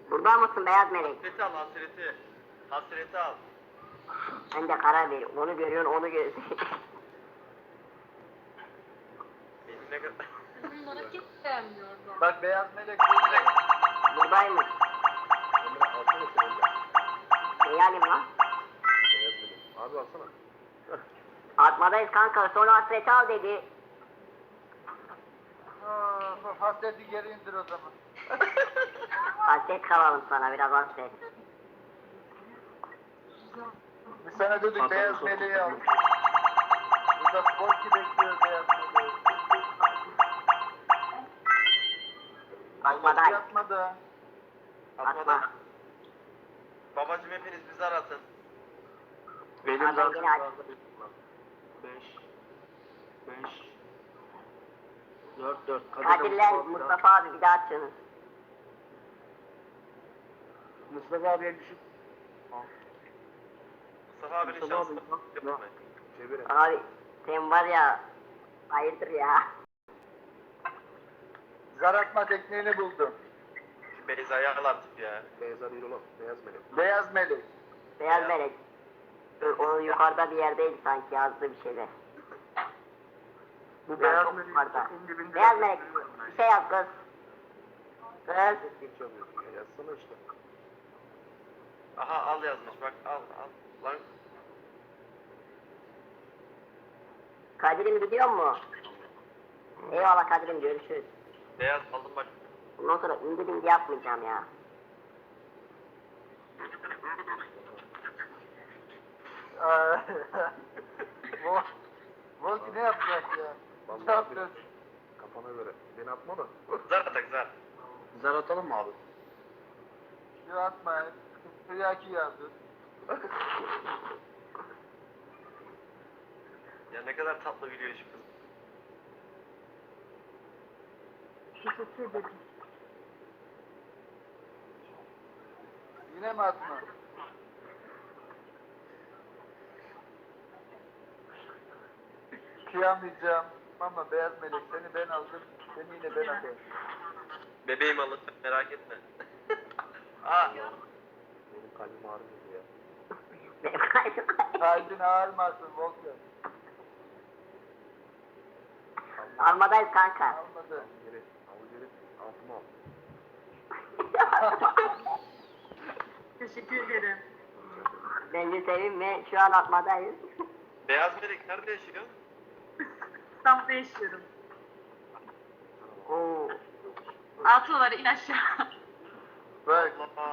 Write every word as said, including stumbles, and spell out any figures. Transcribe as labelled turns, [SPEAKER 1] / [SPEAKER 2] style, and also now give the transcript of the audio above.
[SPEAKER 1] Burada mısın beyaz melek?
[SPEAKER 2] Hasreti al hasreti. Hasreti al.
[SPEAKER 1] Sen de karar ver. Onu görüyorsun, onu görüyorsun.
[SPEAKER 2] Benim ne kadar...
[SPEAKER 3] Bunlara kim beğenmiyordu?
[SPEAKER 2] Bak beyaz melek burada.
[SPEAKER 1] Buradaymış.
[SPEAKER 4] Emre alsana sen Emre.
[SPEAKER 1] Neyi alayım lan?
[SPEAKER 4] Beyaz melek. Abi alsana.
[SPEAKER 1] Atmadayız kanka. Sonra hasreti al dedi.
[SPEAKER 5] Aa, hasreti geri indir o zaman.
[SPEAKER 1] Hasret kalalım sana, biraz hasret.
[SPEAKER 5] Biz sana dedik beyaz meleği al. Burada Sporki bekliyor beyaz meleği.
[SPEAKER 1] Atmaday.
[SPEAKER 5] Yatmadı.
[SPEAKER 2] Atmadan. Babacım hepiniz bizi arasın.
[SPEAKER 4] Benim
[SPEAKER 1] Abi,
[SPEAKER 4] zaten
[SPEAKER 1] yine aç.
[SPEAKER 4] beş. beş. dört dört.
[SPEAKER 1] Kadir'le Mustafa abi bir daha açıyorsunuz.
[SPEAKER 4] Mustafa abiye düşüp.
[SPEAKER 2] Mustafa abinin
[SPEAKER 4] Mustafa
[SPEAKER 2] şansı.
[SPEAKER 4] abi, bak,
[SPEAKER 2] Yapma.
[SPEAKER 4] Çevirin.
[SPEAKER 1] Abi sen var ya, hayırdır ya.
[SPEAKER 5] Zar atma tekniğini buldum.
[SPEAKER 2] Şu Beyza'yı al artık ya.
[SPEAKER 4] Beyazlar değil oğlum. Beyaz melek.
[SPEAKER 5] Beyaz melek.
[SPEAKER 1] Beyaz
[SPEAKER 2] Ya.
[SPEAKER 1] melek. Dur, onun yukarıda bir yerdeydi sanki, yazdı bir şeyler.
[SPEAKER 5] Bu
[SPEAKER 1] Ya,
[SPEAKER 5] beyaz
[SPEAKER 1] çok
[SPEAKER 5] melek.
[SPEAKER 1] yukarıda.
[SPEAKER 5] en dibinde
[SPEAKER 1] Beyaz
[SPEAKER 5] yatıyor.
[SPEAKER 1] melek, bir şey yaz kız. Kız.
[SPEAKER 4] Çok geç çalıyor. Ya yazsana işte.
[SPEAKER 2] Aha al yazmış bak al al. Lan
[SPEAKER 1] Kadir'im gidiyor mu? Eyvallah Kadir'im, görüşürüz.
[SPEAKER 2] beyaz aldım bak.
[SPEAKER 1] Bundan sonra indi bindi yapmayacağım ya.
[SPEAKER 5] Aa, Vol- Volki ne yapacak ya?
[SPEAKER 4] Vallahi
[SPEAKER 5] Ne yapıyorsun?
[SPEAKER 4] Kafana göre. Beni atma da.
[SPEAKER 2] Zar atak zar.
[SPEAKER 4] Zar atalım mı abi?
[SPEAKER 5] Yok atma. Hıyaki yazdı.
[SPEAKER 2] Ya ne kadar tatlı gülüyor şu kız.
[SPEAKER 5] Yine mi atma? Kıyamayacağım. Ama beyaz melek seni ben aldım. Seni yine ben alayım.
[SPEAKER 2] Bebeğim alın merak etme. Aa
[SPEAKER 4] Benim kalbim ağrıyor ya.
[SPEAKER 1] Benim kaydım.
[SPEAKER 5] Kalbin ağrımasın Volkan.
[SPEAKER 1] Armadayız kanka.
[SPEAKER 5] Almadı.
[SPEAKER 4] Al geri. Al geri. Altıma al.
[SPEAKER 3] Teşekkür ederim.
[SPEAKER 1] Bence sevinme, şu an atmadayız.
[SPEAKER 2] beyaz melek nerede yaşıyor?
[SPEAKER 3] İstanbul'da yaşıyorum.
[SPEAKER 1] Oo.
[SPEAKER 3] Altıları in aşağı.
[SPEAKER 5] Bak.
[SPEAKER 2] Allah.